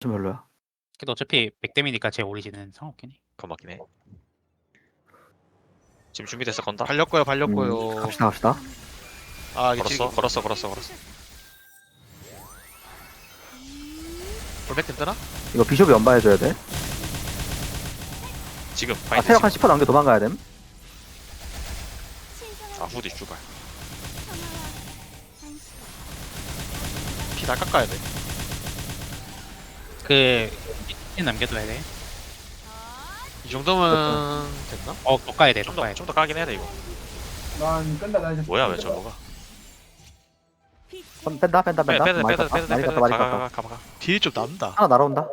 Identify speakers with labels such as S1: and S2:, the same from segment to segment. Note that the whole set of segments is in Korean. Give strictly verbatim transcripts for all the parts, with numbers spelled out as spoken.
S1: 좀 별로야.
S2: 그래도 어차피 백댐이니까 제 오리진은 상관없긴 해.
S3: 그거 맞긴 해. 지금 준비됐어 건다.
S4: 발렸고요
S1: 음,
S4: 발렸고요.
S1: 갑시다 갑시다.
S4: 아 이게
S3: 걸었어 걸었어 걸었어 걸었어.
S4: 볼백댐 뜨나?
S1: 이거 비숍이 연바해줘야 돼.
S3: 지금
S1: 아
S3: 바인드
S1: 체력 한
S3: 지금.
S1: 십 퍼센트 남겨 도망가야 됨.
S3: 아 후디 주발.
S4: 피 다 깎아야 돼.
S2: 그 이 남겨둬야 돼.
S4: 이 정도면 됐나?
S2: 어, 더 까야 돼. 더
S3: 좀더
S2: 까야 돼.
S3: 좀 더 까긴 해야 돼 이거.
S5: 난 끈다 나 이제
S3: 뭐야 왜 저거가?
S1: 선 뺀다 뺀다
S3: 빼
S1: 뺀다.
S3: 빼다
S1: 많이
S3: 빼다
S1: 깠다
S3: 빼다
S1: 많이
S3: 빼다
S1: 깠다 많이
S3: 가가
S1: 깠다.
S3: 가가 가.
S4: 딜이 좀 남다.
S1: 하나 날아온다.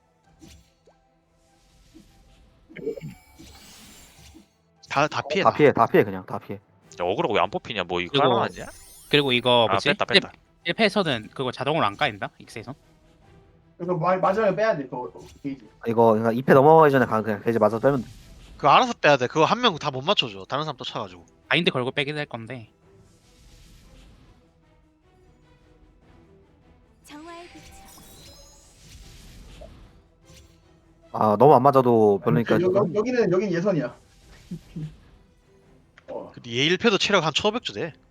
S4: 다 다 피해.
S1: 다 피해 다 피해 그냥 다 피해.
S3: 야 어그로 왜 안 뽑히냐? 뭐 이거
S2: 그리고-
S3: 깔아 놨냐?
S2: 그리고 이거
S3: 아
S2: 뭐지?
S3: 뺐다 뺐다.
S2: 일 패에서는 그거 자동으로 안 까인다? 익스에서?
S5: 그래서 마- 마지막에 빼야 돼 그거 게이지.
S1: 이거 그러니까 이 패 넘어가기 전에 가 그냥 이제 맞아 빼면 돼.
S4: 그거 알아서 빼야 돼. 그거 한 명 다 못 맞춰줘. 다른 사람 또 차가지고.
S2: 바인드 걸고 빼긴 할 건데.
S6: 정화의 빛
S1: 아 너무 안 맞아도 별로니까
S5: 여, 여,
S1: 지금.
S5: 여기는 여긴 예선이야. 어,
S4: 얘 일 패도 체력 한 천오백 주 돼.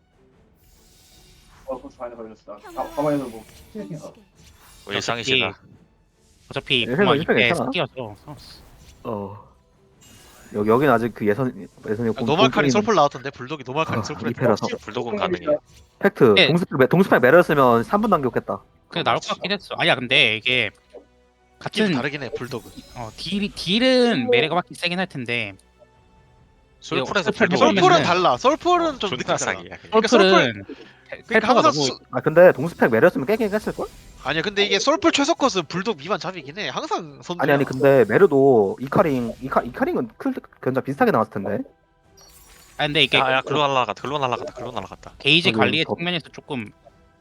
S5: 어 벌써 많이 걸렸어. 아, 가만히서 뭐 스네킹. 어.
S3: 뭐 일상이시다.
S2: 어차피
S1: 일
S2: 그만
S1: 패는 일 패
S2: 이패
S1: 괜찮아.
S2: 끼어서
S1: 어 여기 여기는 아직 그 예선 예선이
S4: 아, 노말카링 솔플 나왔던데 불독이 노말카링
S1: 아,
S4: 솔플
S1: 이 패라서.
S3: 불독은 가능해.
S1: 팩트
S2: 네.
S1: 동스펙 동스펙 매렸으면 삼 분 남겼겠다.
S2: 그냥 나올 것 같긴 했어. 아니야, 근데 이게
S4: 같은
S2: 같은
S4: 다르긴 해 불독은.
S2: 어, 딜 딜은 메레가 맞기 세긴 할 텐데
S3: 솔플에서
S2: 솔플
S3: 불독
S2: 해보면은-
S4: 솔플은 달라. 솔플은 좀
S3: 존나
S4: 느끼잖아.
S3: 사기야. 그냥.
S2: 솔플은
S4: 그러니까
S2: 펠파가
S4: 항상
S2: 너무
S4: 수-
S1: 아 근데 동스펙 매렸으면 깨긴 했을 걸?
S4: 아니야 근데 이게 솔플 최소 컷은 불독 미만 잡이긴 해. 항상 선두.
S1: 아니 아니 근데 메르도 이카링 이카 이카링은 클 견자 비슷하게 나왔을 텐데.
S2: 아 근데 이게
S3: 야야 글로 날라갔다 글로 날라갔다 글로 날라갔다.
S2: 게이지
S1: 저기
S2: 관리의
S1: 더-
S2: 측면에서 조금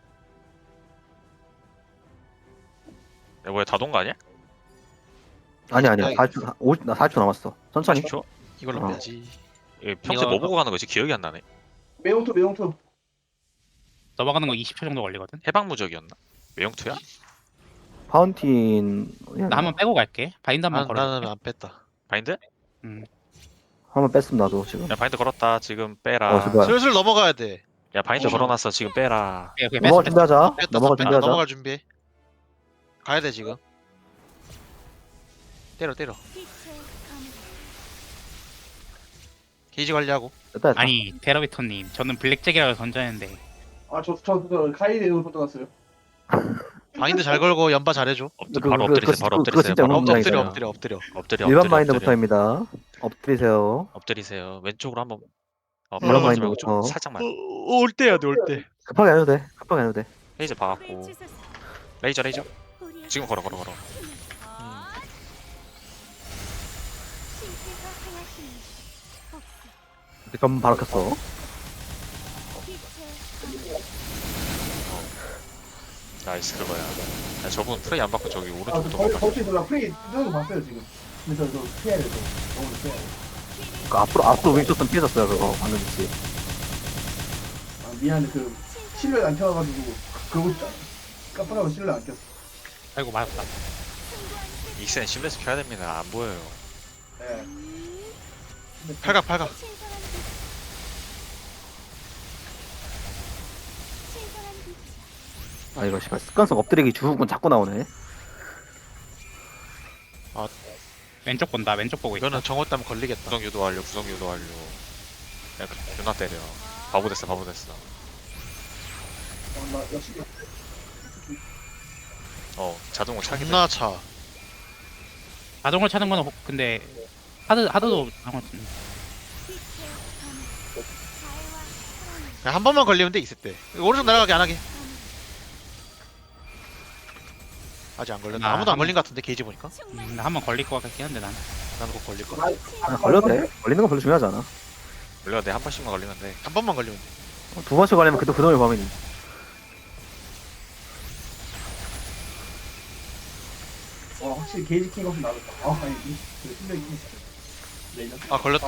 S3: 야 뭐야 다동거 아니야?
S1: 아니 아니야
S4: 아니,
S1: 사십 초 오십 나 사십 초 남았어. 천천히.
S3: 사십 초?
S4: 이걸로
S1: 어.
S4: 빼야지.
S3: 이거 평소에 뭐 보고 가는 거지? 기억이 안 나네.
S5: 매운투 매운투.
S2: 넘어가는 거 이십 초 정도 걸리거든.
S3: 해방무적이었나? 외형투야?
S1: 파운틴
S2: 나 한번 빼고 갈게. 바인드 한번
S4: 난,
S2: 걸어.
S4: 나는 안 뺐다.
S3: 바인드?
S2: 음.
S1: 한번 뺐음 나도 지금.
S3: 야 바인드 걸었다 지금 빼라.
S1: 어, 제발.
S4: 슬슬 넘어가야 돼.
S3: 야 바인드
S4: 어.
S3: 걸어놨어 지금 빼라.
S2: 오케이, 오케이,
S1: 넘어갈
S2: 뺐어, 뺐어.
S1: 준비하자.
S4: 뺐다
S1: 넘어갈
S4: 뺐다.
S1: 준비하자.
S4: 넘어갈 준비해. 가야 돼 지금. 때려 때려.
S6: 빛의 검
S4: 게이지 관리하고.
S1: 됐다 됐다.
S2: 아니 테러비터님, 저는 블랙잭이라고 던졌는데
S5: 아저저 저, 카이데로 던져갔어요.
S4: 바인드 잘 걸고 연바 잘해줘.
S3: 엎드,
S1: 그-
S3: 바로
S1: 그-
S3: 엎드리세요.
S1: 그-
S3: 바로
S1: 그-
S3: 엎드리세요.
S1: 그거 진짜
S3: 바로
S1: 너무
S4: 엎드려
S1: 엎드리세요.
S4: 엎드려 엎드려 엎드려.
S3: 엎드려.
S1: 일반
S3: 엎드려,
S1: 마인드부터입니다. 엎드리세요.
S3: 엎드리세요. 왼쪽으로 한번. 어,
S1: 일반
S3: 바로 가지 말고 좀
S1: 마인드부터.
S3: 살짝만.
S4: 올 때야 돼올 때.
S1: 급하게 안 해도 돼. 급하게 안 해도 돼.
S3: 레이저 박았고. 레이저 레이저. 지금 걸어 걸어 걸어.
S1: 점 바로 켰어.
S3: 나이스 그거야. 야, 저분 프레이 안 받고 저기
S5: 아,
S3: 오른쪽부터
S5: 저
S3: 못
S5: 거-
S3: 가.
S5: 거기 놀라 프레이 뜨는 거 봤어요 지금. 근데 저, 저 피해야 돼. 저. 너무 피해야 돼.
S1: 그 앞으로 앞으로 윙쳤으면 피해졌어요 그거 방금 있지.
S5: 아 미안해 그 실내 안 켜가지고 그거 깜빡하고 실내 안 켰어.
S2: 아이고 맞았다.
S3: 익센 심레스 켜야 됩니다. 안 보여요.
S5: 예.
S4: 팔각 팔각.
S1: 아 이거 씨발 습관성 엎드리기 주후군 자꾸 나오네.
S2: 왼쪽 본다. 왼쪽 보고 있어.
S4: 이거는 정호 따면 걸리겠다.
S3: 구성 유도 완료. 구성 유도 완료. 야 존나 때려. 바보 됐어 바보 됐어.
S5: 어, 나 역시
S3: 어 자동으로 차게 돼.
S4: 존나 차.
S2: 자동을 차는 거는 혹- 근데 하드 하드도 상관없음.
S4: 그냥 한 번만 걸리면 돼 있을 때. 오른쪽 날아가게 안 하게. 아직 안 걸렸나?
S2: 아,
S4: 아무도 안
S2: 한-
S4: 걸린 것 같은데 게이지 보니까.
S2: 음, 나 한번 걸릴 것 같긴 한데 난.
S4: 나는 꼭 걸릴 거야.
S5: 나
S1: 아, 걸려도 돼. 걸리는 건 별로 중요하지 않아.
S3: 원래 내한 번씩만 걸리면 돼.
S4: 한 번만 걸리면 돼.
S1: 두 번씩 걸리면 그때 그놈의 범인이.
S5: 어 확실히 게이지 킹 없이 나왔다. 아 아니 이- 그 실내 킹. 레이저.
S4: 아 걸렸다.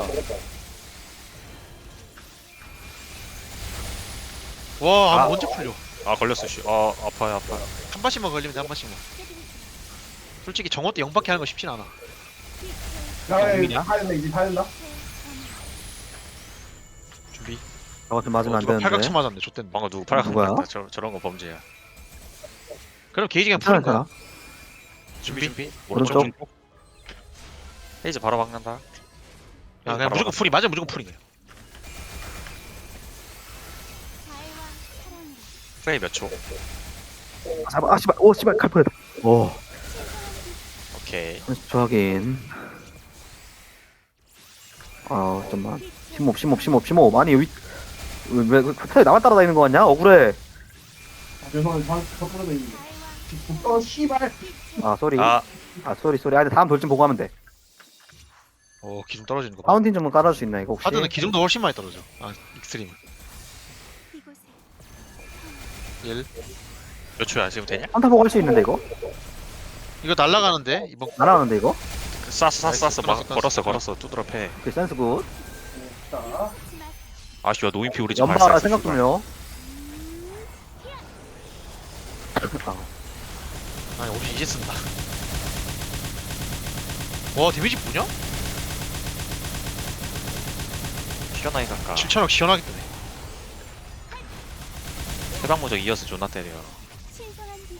S4: 와, 아,
S3: 아.
S4: 언제 풀려?
S3: 아 걸렸어 씨. 아 아파요 아파요.
S4: 한 번씩만 걸리면 돼, 한 번씩만. 솔직히 정호 때 영밖에 하는 거 쉽진 않아.
S5: 야,
S2: 의미냐?
S5: 야, 다 된다 이제 다 된다.
S4: 준비.
S1: 저거 좀 맞으면
S4: 어,
S1: 안
S4: 누가
S1: 되는데.
S4: 팔각침 맞았네. 좆됐네.
S3: 방금 누구 팔각
S1: 누구야?
S3: 맞다. 저 저런 거 범죄야.
S4: 그럼 게이지 그냥 푸는
S1: 괜찮아,
S4: 거야.
S1: 괜찮아.
S3: 준비 준비.
S1: 오른쪽.
S3: 오른쪽. 헤이즈 바로 박는다.
S4: 야
S3: 헤이즈
S4: 그냥
S3: 바로
S4: 무조건
S3: 박는다.
S4: 풀이 맞으면 무조건 풀이 거야.
S6: 자애와 사랑으로
S3: 프레이 몇 초?
S1: 아, 잡아. 아 씨발. 오 씨발 칼 뻔했다. 오.
S3: 오케이.
S1: 삼십 초 확인. 아 잠깐만. 심호흡 심호흡 심호흡 심호흡. 아니 위 왜왜 그 나만 따라다니는 거 같냐? 억울해.
S5: 아, 죄송한데 방 덮어져 있는데.
S6: 자애와
S5: 어 씨발.
S1: 아 쏘리. 아,
S3: 아
S1: 쏘리 쏘리. 아 근데 다음 돌진 보고 하면 돼.
S4: 어 기둥 떨어지는 거 봐.
S1: 파운틴 좀 깔아줄 수 있나 이거 혹시?
S4: 하드는 기둥도 훨씬 많이 떨어져. 아 익스트림.
S6: 이곳에
S4: 일.
S3: 몇 초야 지금 되냐?
S1: 한타 보고 할 수 있는데 이거?
S4: 이거 날라가는데 이번.
S1: 날아가는데 이거?
S3: 쐈어 쐈어 쐈어
S4: 나이스,
S3: 막
S4: 끊었어,
S3: 걸었어
S4: 끊었어.
S3: 걸었어 두드러 패.
S1: 오케이 센스 굿.
S5: 자,
S3: 아쉬워 노인피 우리 집
S1: 연마
S3: 발사했어,
S1: 생각
S3: 씨발.
S1: 좀요. 아,
S4: 아니 우리 이제 쓴다. 와 데미지 뭐냐?
S3: 시원하게 갈까?
S4: 칠천억 시원하게 뜨네.
S3: 해방무적 이어서 존나 때려.
S6: 신선한 빛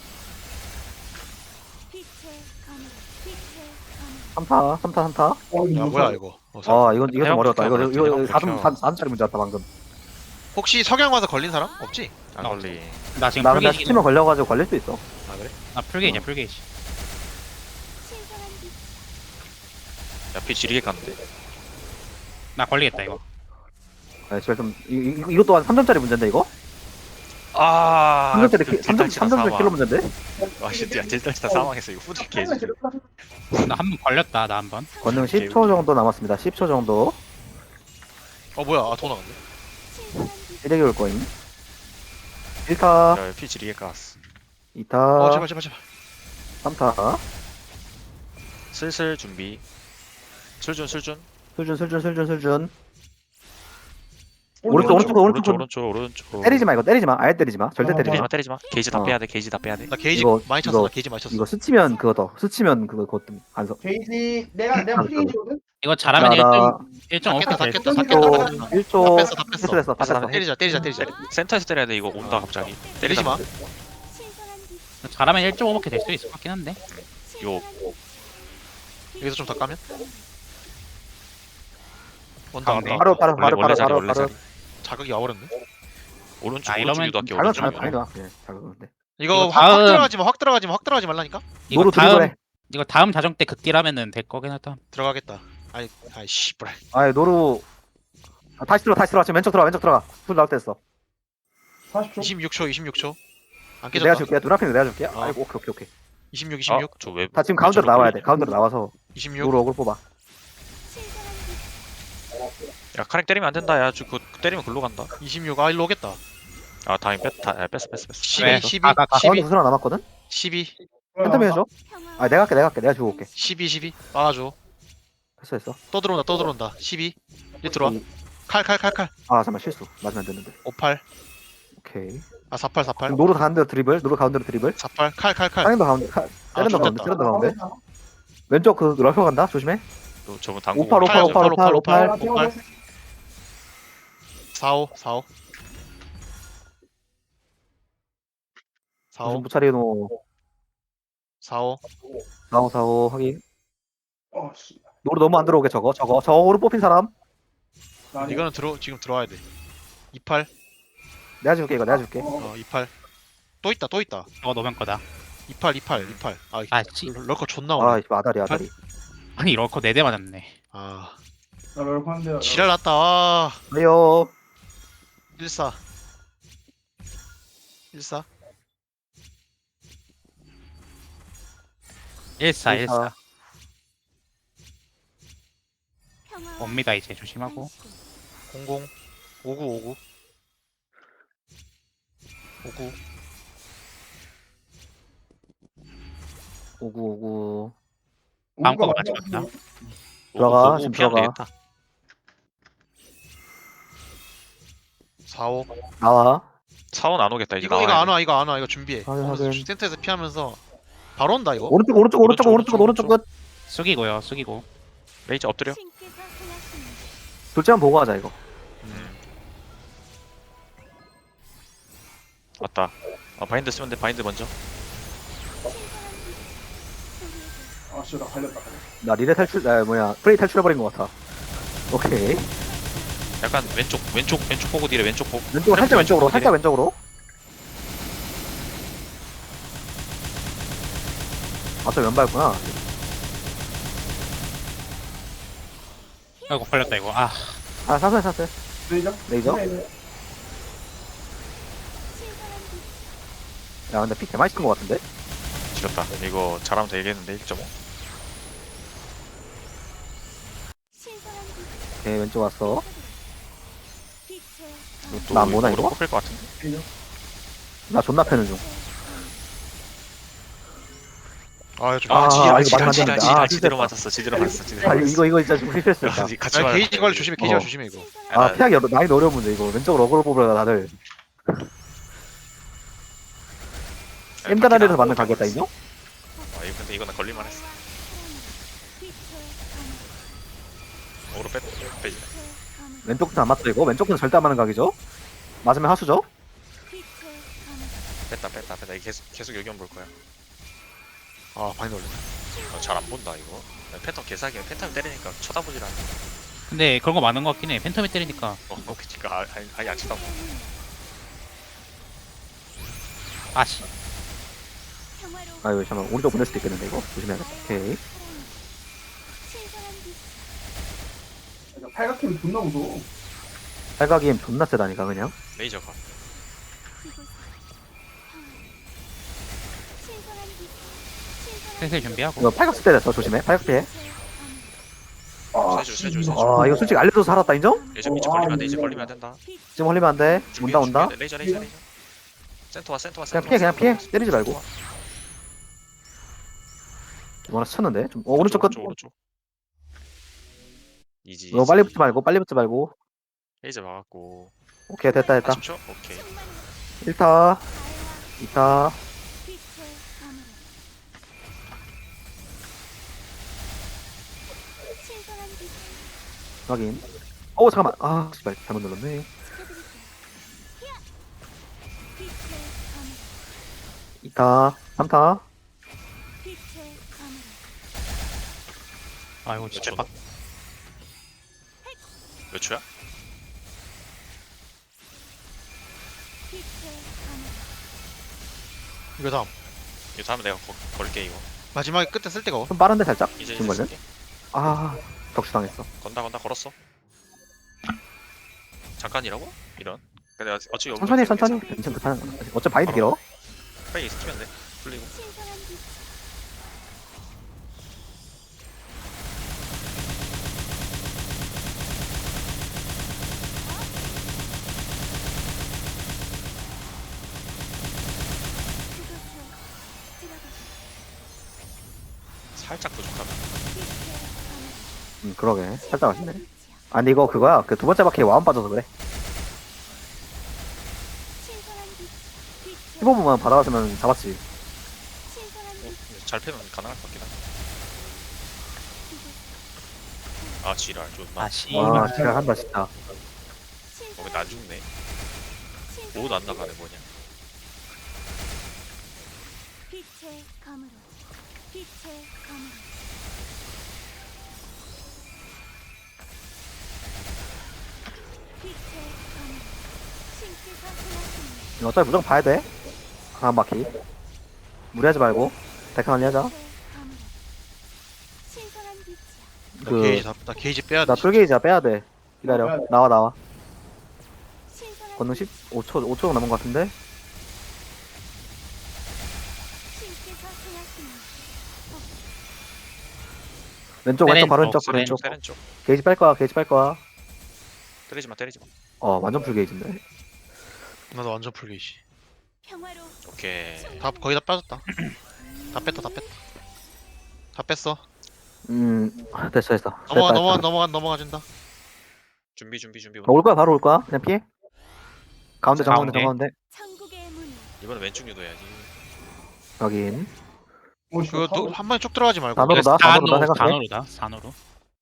S6: 빛의 검 빛의 검
S1: 삼타 삼타 삼타.
S5: 어,
S4: 야
S5: 이거
S4: 뭐야 이거. 어, 사-
S1: 아 이건 이거 좀
S3: 해방
S1: 어려웠다. 이거
S3: 불켜,
S1: 이거
S3: 해방
S1: 사점
S3: 불켜.
S1: 사점짜리 문제였다 방금.
S4: 혹시 석양 와서 걸린 사람 없지?
S3: 안 걸리.
S2: 나 지금
S1: 나 근데
S2: 풀게이지.
S1: 스팀을 걸려가지고 걸릴 수 있어.
S4: 아 그래?
S2: 나 풀게이지야 풀게이지.
S6: 신선한 빛
S3: 야피 지리게 갔는데.
S2: 나 걸리겠다 이거.
S1: 아 제발 좀 이, 이, 이것 또한 삼 점짜리 문제인데 이거?
S3: 아.
S1: 삼 점짜리 키, 삼 점 삼 점짜리 킬로 문제인데?
S3: 와 진짜 야 딜달치다 사망했어 이거 후드 개지.
S2: 나 한 번 걸렸다 나 한 번.
S1: 권능 십 초 정도 남았습니다. 십 초 정도.
S4: 어 뭐야? 아더 나갔네.
S6: 신선한 빛
S1: 일렉이 올 거임. 일 타,
S3: 야피 지리게 갔어.
S1: 이 타,
S4: 어 제발 제발 제발.
S1: 삼 타.
S3: 슬슬 준비. 술준 술준.
S1: 술준 술준 술준 술준. 오른쪽 오른쪽 오른쪽
S3: 오른쪽 오른쪽 오른쪽.
S1: 때리지 마 이거 때리지 마. 아예 때리지 마. 절대
S5: 어,
S1: 때리지
S3: 때리지
S1: 마.
S3: 마 때리지 마. 게이지 다
S1: 어.
S3: 빼야 돼. 게이지 다 빼야 돼.
S4: 나 게이지
S1: 이거-
S4: 많이 쳤어.
S1: 이거-
S4: 나 게이지 많이 쳤어.
S1: 이거 스치면 그거 더. 스치면 그거 그것 안 써.
S5: 게이지 내가 내가 프리게이지거든.
S2: 이거 잘하면
S1: 자,
S2: 일 점 일 점
S4: 다
S2: 오케이
S4: 깼다,
S2: 될
S4: 다 깼다, 다
S2: 듯.
S4: 깼다.
S1: 일 초,
S4: 다
S1: 일 초.
S4: 뺐어, 다 뺐어.
S1: 패스됐어,
S3: 패스 다
S1: 패스됐어.
S4: 때리자 때리자 때리자.
S3: 때리- 센터에서 때려야 돼 이거 온다 갑자기.
S4: 때리지 마.
S6: 신선한 빛
S2: 잘하면 일 점 오밖에 될 수 있을 것 같긴 한데.
S3: 요
S4: 여기서 좀 더 까면. 온다
S2: 가운데.
S4: 온다.
S1: 바로 바로
S3: 원래
S1: 바로
S3: 원래
S1: 바로
S3: 자리
S1: 바로
S3: 원래
S1: 바로.
S3: 자리.
S4: 자극이 와버렸네.
S3: 오른쪽
S2: 아,
S3: 오른쪽
S2: 이러면
S3: 유도할게
S1: 잘못
S3: 오른쪽
S1: 잘못
S3: 유도.
S1: 아니다. 예, 잘 그런데.
S4: 이거
S2: 이거
S4: 확, 확
S2: 다음-
S4: 들어가지 마. 확 들어가지 마. 확 들어가지 말라니까.
S2: 이거
S1: 노루
S2: 다음
S1: 드리블해.
S2: 이거 다음 자정 때 극딜하면은 될 거긴 하다.
S4: 들어가겠다. 아이 아이 씨발.
S1: 아이 노루. 아, 다시 들어 다시 들어 지금 왼쪽 들어가 왼쪽 들어가. 풀 나올 때 했어.
S5: 사십 초.
S4: 이십육 초 이십육 초. 안
S1: 내가
S4: 깨졌다.
S1: 줄게. 눈앞에 내가 줄게.
S4: 어.
S1: 아이고 오케이 오케이 오케이.
S4: 이십육
S3: 아,
S4: 이십육
S3: 저왜
S1: 다 지금 가운데로 나와야 돼. 가운데로 나와서
S4: 이십육.
S1: 노루 억울 뽑아.
S6: 신선한 빛
S3: 야 카렉 때리면 안 된다. 야, 저 그 때리면 글로 간다.
S4: 이십육. 아 일로 오겠다.
S3: 아, 다행 뺐다. 야, 뺐어, 뺐어, 뺐어.
S4: 십이
S2: 왜?
S4: 십이
S2: 가, 가, 가.
S1: 가운데
S4: 십이
S1: 구슬 하나 남았거든.
S4: 십이
S1: 팬텀 해줘.
S6: 평화
S1: 아 내가 할게 내가 할게 내가 주고 올게.
S4: 십이 십이. 막아줘.
S1: 했어 했어.
S4: 또 들어온다 또 들어온다. 십이. 이제 들어와. 칼 칼 칼 칼.
S1: 아 잠깐만 실수. 맞으면 안 되는데.
S4: 오팔.
S1: 오케이.
S4: 아 사팔 사팔.
S1: 지금 노루 가운데로 드리블. 노루 가운데로 드리블.
S4: 사팔 칼 칼 칼.
S1: 사인도 가운데. 카-
S4: 아,
S1: 세련도 가운데.
S4: 좋겠다.
S1: 세련도 가운데. 왼쪽 그 럴커 간다. 조심해.
S3: 또 저분 당구.
S1: 오팔 오팔 오팔 오팔 오팔.
S4: 오팔. 사오 사오.
S1: 무슨
S4: 사오
S1: 무차리노.
S4: 사오.
S1: 사오 사오 확인.
S5: 어 씨.
S1: 노루 너무 안 들어오게 저거 저거 저거 오른 뽑힌 사람.
S5: 나
S4: 이거는 들어 지금 들어와야 돼. 이팔.
S1: 내가 줄게 이거 내가 줄게.
S4: 어 이팔. 또 있다 또 있다.
S2: 저거 노면 거다.
S4: 이팔 이팔 이팔. 아
S2: 아 씨.
S4: 럴커 존나 오네.
S1: 아 이거 아다리 아다리.
S2: 아니 럴커 네 대 맞았네.
S4: 아
S5: 나 럴커 한대.
S4: 지랄 났다. 아
S1: 왜요?
S4: 일사. 일사.
S2: 일사
S1: 일사.
S2: 일사.
S6: 평화
S2: 옵니다 이제 조심하고.
S4: 공공. 오구 오구. 오구.
S1: 오구 오구.
S2: 다음 거 맞지 맞나?
S1: 들어가,
S3: 오,
S1: 지금
S3: 피하면
S1: 들어가.
S3: 되겠다.
S4: 사오.
S1: 나와.
S3: 사원 안 오겠다 이제
S4: 이거
S3: 나와야
S4: 이거 안
S3: 돼.
S4: 와 이거 안 와 이거 준비해.
S1: 확인,
S4: 오면서
S1: 확인.
S4: 센터에서 피하면서 바로 온다 이거.
S1: 오른쪽 오른쪽 오른쪽
S3: 오른쪽,
S1: 오른쪽 오른쪽 끝.
S2: 숙이고요 숙이고.
S3: 레이저 엎드려.
S6: 신께서 행하시는
S1: 둘째만 보고 하자 이거.
S3: 음. 왔다. 아 바인드 쓰면 돼. 바인드 먼저.
S5: 아씨 나 갈렸다.
S1: 나 리레 탈출 아 뭐야 프레이 탈출해버린 것 같아. 오케이.
S3: 약간 왼쪽 왼쪽 왼쪽 보고 뒤에 왼쪽 보고.
S1: 왼쪽으로 살짝 왼쪽으로
S3: 보고
S1: 살짝 왼쪽으로. 아저 왼발구나.
S2: 아이고 걸렸다 이거. 아
S1: 아 사슬 사슬.
S5: 레이저?
S1: 레이저?
S5: 네, 네.
S1: 야 근데 피 개많이 쓴것 같은데?
S3: 지렸다. 이거 잘하면 되겠는데 일 점 오.
S6: 신선한
S1: 오케이 왼쪽 왔어.
S6: 빛의
S3: 이것도
S1: 나안 보나, 이거?
S3: 뽑힐 것 같은데.
S5: 레이저?
S1: 나 존나 패는 중.
S4: 아 좀.
S1: 아,
S3: 아, 지랄,
S1: 이거
S3: 지랄,
S1: 맞으면 안
S3: 지랄,
S1: 되는데.
S3: 지랄,
S1: 아,
S3: 지대로
S1: 진짜.
S3: 맞았어, 지대로 맞았어, 지대로
S1: 아
S3: 맞았어.
S1: 이거 이거 이거 진짜 실패했어. 진짜.
S3: 같이
S4: 아,
S3: 맞았어.
S4: 게이지 관리 조심해. 게이지 관리
S1: 어.
S4: 조심해 이거.
S1: 아 피하기 어려- 많이 어려운 문제 이거. 왼쪽으로 어그로 뽑으려 다들. 엠다라리에서 맞는 가겠다 인정?
S3: 아, 이거 근데 이거는 걸릴만 했어. 오로 뺐, 빼지.
S1: 왼쪽 끝은 안 맞다 이거. 왼쪽 끝은 절대 안 맞는 각이죠? 맞으면 하수죠?
S3: 뺐다, 뺐다, 뺐다. 이거 계속, 계속 여기 볼 거야.
S4: 아 바인드 올려.
S3: 어, 잘 안 본다, 이거. 패턴 개사기야. 패턴 때리니까 쳐다보질 않아.
S2: 근데 그런 거 많은 것 같긴 해. 팬텀이 때리니까.
S3: 어, 그니까, 아, 아예, 아예 안 쳐다보.
S2: 아씨.
S1: 아 이거 잠깐만 오른쪽 보낼 수도 있겠는데 이거? 조심해야겠다. 오케이.
S5: 야, 팔각힘 존나 무서워.
S1: 팔각이임 존나 세다니까 그냥.
S3: 레이저가.
S2: 슬슬 준비하고.
S1: 이거 팔각 쓸때 됐어. 조심해. 팔각 피해.
S5: 아,
S3: 세줄, 세줄,
S5: 씨,
S3: 세줄.
S1: 아 이거 솔직히 알려줘서 살았다 인정?
S3: 레이저, 이제 걸리면 안 돼, 이제 걸리면 안 된다.
S1: 지금 흘리면 안 돼.
S3: 준비,
S1: 온다 온다.
S3: 준비. 레이저, 레이저, 레이저. 센터 와, 센터 와,
S1: 그냥
S3: 센터
S1: 피해
S3: 와,
S1: 그냥 피해.
S3: 센터 와.
S1: 때리지 말고. 이거나 쳤는데. 좀 어, 오른쪽 끝.
S3: 오른쪽, 오른쪽. 이지.
S1: 이거 빨리 붙지 말고 빨리 붙지 말고.
S3: 레이저 막았고.
S1: 오케이 됐다 됐다.
S3: 아십 초? 오케이.
S1: 일 타. 이 타. 확인. 어 잠깐만. 아 씨발 잘못 눌렀네. 이 타. 삼 타.
S2: 아이고
S3: 몇
S2: 진짜
S3: 초?
S2: 빡.
S3: 몇 초야?
S4: 이거 다음.
S3: 이거 다음에 내가 거, 걸게 이거.
S4: 마지막에 끝에 쓸 때가.
S1: 좀 빠른데 살짝.
S3: 이제
S1: 지금
S3: 이제
S1: 걸려?
S3: 쓸게.
S1: 아 덕수 당했어.
S3: 건다 건다 걸었어. 잠깐이라고? 이런. 근데 어차피 여기
S1: 천천히
S3: 괜찮아.
S1: 천천히. 괜찮 괜찮아. 어차피 바이드 길어.
S3: 빨리 스키면 돼. 풀리고. 살짝 부족하다.
S1: 음 그러게. 살짝 아쉽네. 아 근데 이거 그거야. 그 두 번째 바퀴에 와운 빠져서 그래. 십오 분만 받아왔으면 잡았지.
S3: 어? 근데 잘 패면 가능할 것 같긴 한데. 아 지랄 존나.
S2: 아씨.
S1: 와 진짜 한다 진짜.
S3: 어 근데 안 죽네. 모두 안 나가네 뭐냐.
S6: 빛의 검으로 빛의 검으로 빛의 검으로 신께서 행하시는
S1: 이거 어차피 무조건 봐야 돼. 다음 바퀴. 무리하지 말고. 데카 관리하자.
S6: 빛의 검으로 신선한 빛이야
S4: 나
S1: 그-
S4: 게이지 다, 나 게이지 빼야 돼.
S1: 나 풀게이지야 빼야 돼. 기다려. 나와 나와.
S6: 신선한
S1: 건능 십오 초 오 초 남은 것 같은데.
S6: 신께서 행하시는
S1: 왼쪽
S2: 세렌
S1: 왼쪽 바로
S2: 쪽,
S1: 왼쪽
S2: 세렌
S1: 왼쪽.
S3: 세렌 쪽.
S1: 게이지 뺄 거야. 게이지 뺄 거야.
S3: 때리지 마 때리지 마.
S1: 어 완전 풀 게이지인데.
S4: 나도 완전 풀 게이지.
S6: 평화로
S3: 오케이.
S4: 다 거의 다 빠졌다. 다 뺐다 다 뺐다. 다 뺐어.
S1: 음 됐어 됐어.
S4: 넘어가
S1: 됐다,
S4: 넘어가
S1: 됐다.
S4: 넘어가 넘어가진다.
S3: 준비 준비 준비.
S1: 어, 올 거야 바로 올 거야. 그냥 피해. 가운데 정가운데
S2: 가운데.
S1: 정가운데.
S6: 천국의 문
S3: 이번엔 왼쪽 유도해야지.
S1: 확인.
S5: 어, 씨,
S4: 그거
S5: 사고.
S4: 한 번에 쭉 들어가지 말고.
S1: 단어로 나, 단어로 나 생각해.
S2: 단어로다 단어로.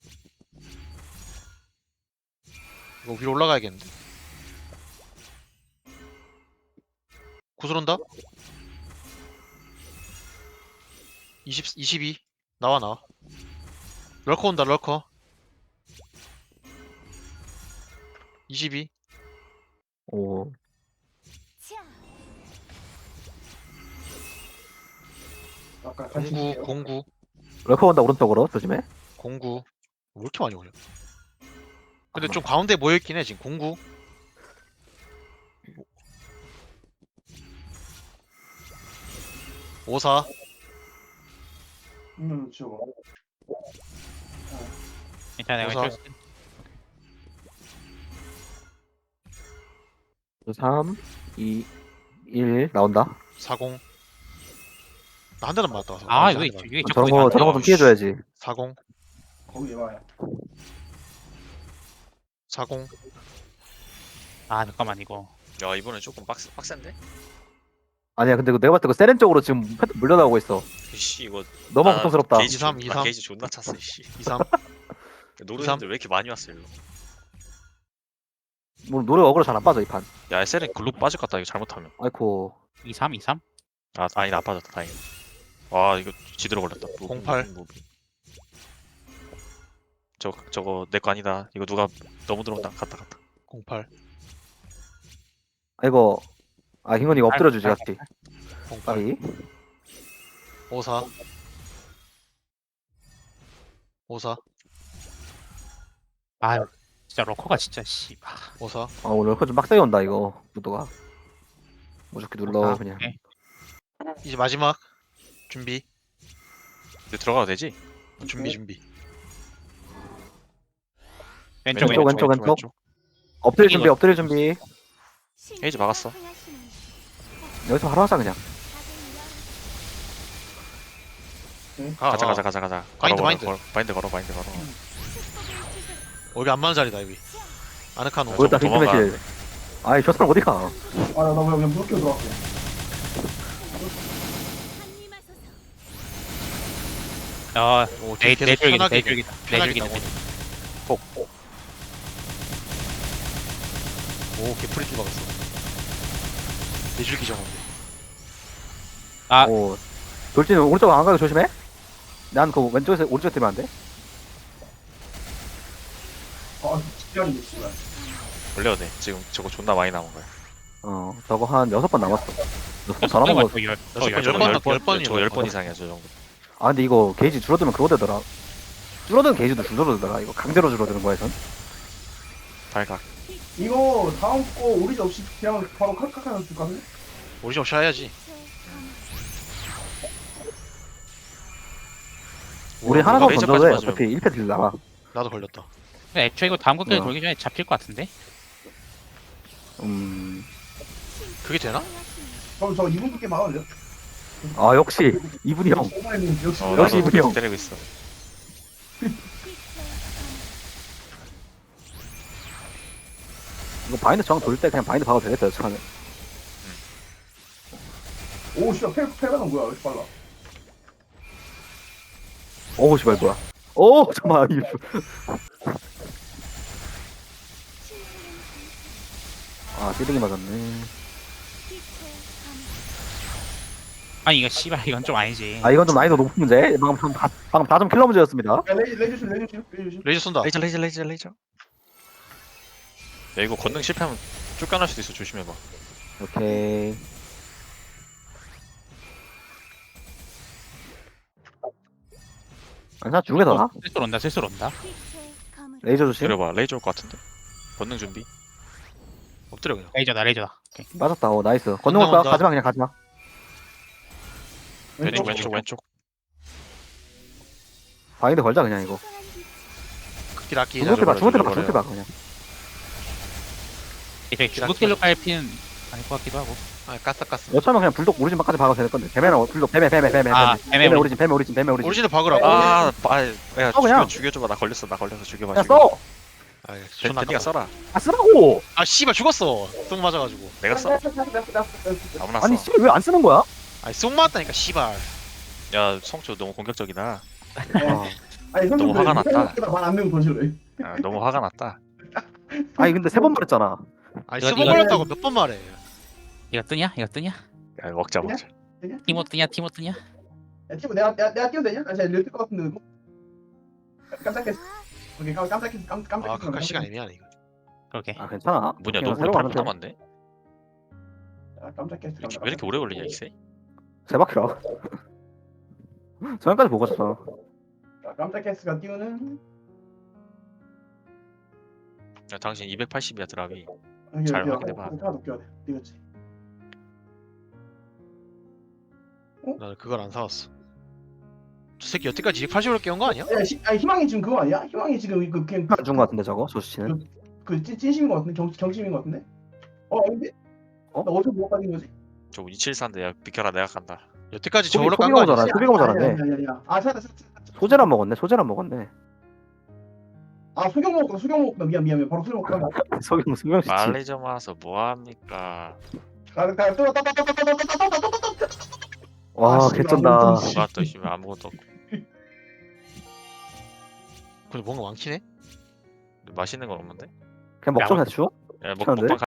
S4: 이거 위로 올라가야겠는데. 구슬 온다. 이십, 이십이. 나와 나와. 럴커 온다 럴커. 이십이.
S1: 오.
S6: 자,
S5: 아까 같이
S4: 공구
S5: 있을게요.
S4: 공구
S1: 럴커 온다 오른쪽으로 조심해.
S4: 공구. 왜 이렇게 많이 오냐? 근데 좀 가운데 모여있긴 해 지금 공구. 오사.
S5: 음, 지워봐.
S2: 괜찮아 내가
S4: 우선.
S2: 해줄 수 있-
S1: 삼, 이, 일 나온다.
S4: 사공. 나 한 대는 맞다.
S2: 아 이거 이게
S1: 아, 저런 거 저런 거 좀 피해줘야지.
S4: 사공.
S5: 거기 와요.
S4: 사공.
S2: 아 잠깐만 이거.
S3: 야 이번엔 조금 빡세, 빡센데?
S1: 아니야 근데 그 내가 봤을 때 그 세렌 쪽으로 지금 패드 물려나오고 있어.
S3: 이씨 이거
S1: 너무
S3: 아,
S1: 고통스럽다.
S3: 게이지
S4: 이삼,
S3: 존-
S4: 이삼.
S3: 아, 게이지 존나 찼어 이씨.
S4: 이삼.
S3: 노르는데 왜 이렇게 많이 왔어 일로?
S1: 뭐 노래 어그로 잘 안 빠져 이 판.
S3: 야 에셀은 글로 빠질 것 같다 이거 잘못하면.
S1: 아이코.
S2: 이삼 이삼.
S3: 아 아니다 안 빠졌다 다행이다. 와 이거 지대로 걸렸다. 무빙,
S4: 공팔.
S3: 무빙, 무빙. 저 저거 내 거 아니다. 이거 누가 너무 들어온다. 갔다 갔다.
S4: 공팔.
S1: 아이고. 아 흰건이 엎드려주지 같이.
S4: 공팔.
S1: 빠이.
S4: 오사. 오사.
S2: 아 진짜 러커가 진짜 씨. 아,
S4: 오사.
S1: 아 오늘 럴커 좀 빡세게 온다 이거 무도가. 무조건 눌러
S2: 아,
S1: 그냥.
S2: 오케이.
S4: 이제 마지막. 준비.
S3: 이제 들어가도 되지?
S4: 준비 준비.
S2: 왼쪽
S1: 왼쪽,
S2: 왼쪽.
S1: 왼쪽, 왼쪽. 엎드릴 준비 엎드릴 준비.
S3: 에이지 막았어.
S1: 여기서 바로 하자 그냥.
S4: 가,
S3: 가자
S4: 가.
S3: 가자 가자 가자.
S4: 마인드,
S3: 걸어,
S4: 마인드.
S3: 걸어, 바인드 걸어 바인드 걸어.
S4: 어, 여기 안 맞는 자리다 여기. 아늑한 옷.
S3: 뭐-
S1: 보였다
S3: 저거
S1: 빈틈의 실. 아이 저 사람 어디 가?
S5: 아, 나, 나 그냥 무섭게 들어갈게.
S2: 어
S4: 오,
S2: 내
S4: 계속
S2: 내줄기다
S4: 편하게
S2: 내줄기다
S4: 편하게
S2: 내줄기다.
S4: 나오네. 오, 개프리티 박았어. 내줄기 정원데.
S2: 아.
S1: 오. 돌진은 오른쪽 안 가게 조심해. 난 그 왼쪽에서 오른쪽 뛰면 안 돼.
S5: 아, 집안이 있구나.
S3: 걸려도 돼. 지금 저거 존나 많이 남은 거야.
S1: 어 저거 한 여섯 번 남았어. 여섯 번 다 남은 거.
S2: 저 열- 저
S4: 여섯
S2: 열-
S4: 번, 열 번, 열 번이요.
S3: 저거 열 번 이상이야 저 정도.
S1: 아 근데 이거 게이지 줄어들면 그거 되더라. 줄어드는 게이지도 줄어들더라. 이거 강제로 줄어드는 거야 전.
S3: 발각.
S5: 이거 다음 거 오리지 없이 그냥 바로 칼칼 하나 줄까? 그래?
S4: 오리지널 샤야지.
S1: 우리
S3: 우와,
S1: 하나 더
S3: 레이저까지
S1: 던져도 돼.
S3: 맞으면-
S1: 어차피 일 패 딜 나가.
S4: 나도 걸렸다.
S2: 근데 애초에 이거 다음 곡기에
S1: 뭐야.
S2: 돌기 전에 잡힐 것 같은데?
S1: 음.
S4: 그게 되나?
S5: 그럼 저 이분 분께 막을래요?
S1: 아 역시 이분이 형.
S5: 오마이님 역시
S3: 어,
S1: 역시
S3: 나도
S1: 이분이 형.
S3: 때리고 있어.
S1: 이거 바인드 정 돌 때 그냥 바인드 박아도 되겠다 여차하면.
S5: 오 씨발 패 패가는 뭐야? 왜 이렇게 빨라?
S1: 오우 씨발 뭐야. 오 잠깐만. 이- 아 띠딩이 맞았네.
S2: 아니 이거 씨발 이건 좀 아니지.
S1: 아 이건 좀 난이도 높은 문제. 방금 다 방금 다 좀 킬러 문제였습니다.
S5: 야 레이저 레이저 슛 레이저 슛 레이저 슛.
S4: 레이저 쏜다.
S3: 레이저 레이저 레이저 레이저. 야 이거 건능 실패하면 쫓겨날 수도 있어 조심해봐.
S1: 오케이. 아니야 죽게 더 나.
S2: 슬슬 온다 슬슬 온다.
S1: 레이저 조심.
S3: 때려봐. 레이저 올 것 같은데. 건능 준비.
S4: 엎드려 그냥.
S2: 레이저다 레이저다. 오케이.
S1: 맞았다. 오 나이스. 건능 올까?
S4: 건너온다.
S1: 가지마 그냥 가지마.
S3: 왼쪽 왼쪽 왼쪽.
S1: 바인드 걸자 그냥 이거.
S4: 극딜 아끼.
S1: 중국 때봐 중국 때봐
S3: 버려요.
S1: 중국 때봐 그냥.
S2: 이제 중국길로 깔피는 아닐 것 같기도 하고.
S4: 아, 까싸 까싸.
S1: 여차하면 그냥 불독 오리진만까지 박아도 될 건데. 뱀에는 불독 뱀에 뱀에 뱀에
S2: 아,
S1: 뱀에
S2: 뱀에
S1: 뱀에
S2: 오리진.
S1: 오리진 뱀에 오리진 뱀에 오리진.
S4: 오리지널 박으라고.
S3: 아, 빠, 야
S1: 어, 그냥.
S3: 죽여 죽여줘봐. 나 걸렸어. 나 걸려서 죽여봐.
S1: 야
S3: 죽여.
S1: 써.
S4: 아,
S3: 벤- 벤디가 써라.
S1: 아 쓰라고.
S4: 아, 씨발 죽었어. 똥 맞아가지고.
S3: 내가 써. 아무나 써.
S1: 아니 씨발 왜 안 쓰는 거야?
S4: 아니, 쏙 맞았다니까, 씨발.
S3: 야 성초 너무 공격적이다.
S5: 아니 성격
S3: 너무 화가 났다.
S5: 말안 되면 더 싫어해.
S3: 아, 너무 화가 났다.
S1: 아니 근데 세 번 말했잖아.
S4: 아니
S2: 이거-
S4: 스모
S2: 이거-
S4: 걸렸다고 몇 번 말해.
S2: 이거 뜨냐? 이거 뜨냐?
S3: 야, 먹자 먹자.
S2: 티모 뜨냐? 티모 뜨냐?
S5: 야 티모 내가 내가 내가 뛰어도 되냐? 아 제가 이럴 것 같은데. 뭐? 깜짝했어. 오케이 깜- 깜짝했어. 깜 깜짝했어.
S4: 아 그까 시간 애매하네 이거.
S2: 그러게.
S1: 아 괜찮아.
S3: 뭐냐
S1: 그냥
S3: 너무
S1: 새로
S3: 팔
S1: 가면
S3: 분
S1: 돼.
S3: 남았네.
S5: 아, 깜짝했어.
S3: 왜 이렇게 오래 걸리냐 이세?
S1: 세 바퀴라. 저녁까지 보고 갔잖아.
S5: 자, 깜짝했어가 띄우는.
S3: 야 당신 이백팔십이야 드랍이.
S5: 아,
S3: 잘
S5: 이거
S3: 확인해봐.
S5: 하나 높여야 돼. 이거지.
S4: 나는 그걸 안 사왔어. 저 새끼 여태까지 이백팔십으로 깨운 거 아니야?
S5: 야, 시, 아니 희망이 지금 그거 아니야? 희망이 지금 그 그냥
S1: 안준거 같은데 저거 조수치는.
S5: 그 찐, 찐심인 것 같은데 경 경심인 것 같은데? 어 근데
S1: 어?
S5: 나 어디서 뭐 빠진 거지?
S3: 저 이칠사인데 야 비켜라 내가 간다.
S4: 여태까지
S1: 소비-
S4: 저걸로 깐
S1: 소비가
S4: 거 아니야?
S1: 오잖아. 소비가 오잖아.
S5: 야야야야. 아 찾았다 찾았다.
S1: 소재란 먹었네. 소재란 먹었네.
S5: 아 소경 먹었구나. 소경 먹었구나. 미안 미안 미안. 바로 소경 먹었구나.
S1: 소경 수경 씨지.
S3: 빨리 좀 와서 뭐합니까?
S5: 가가 또
S1: 와
S5: 아, 씨,
S1: 개쩐다.
S5: 아무튼
S3: 누가 또 있으면 아무것도 없고.
S4: 근데 뭔가 많긴 해.
S3: 맛있는 건 없는데?
S1: 그냥 먹자
S2: 야,
S1: 대충.
S3: 야, 먹,
S1: 괜찮은데?
S3: 먹방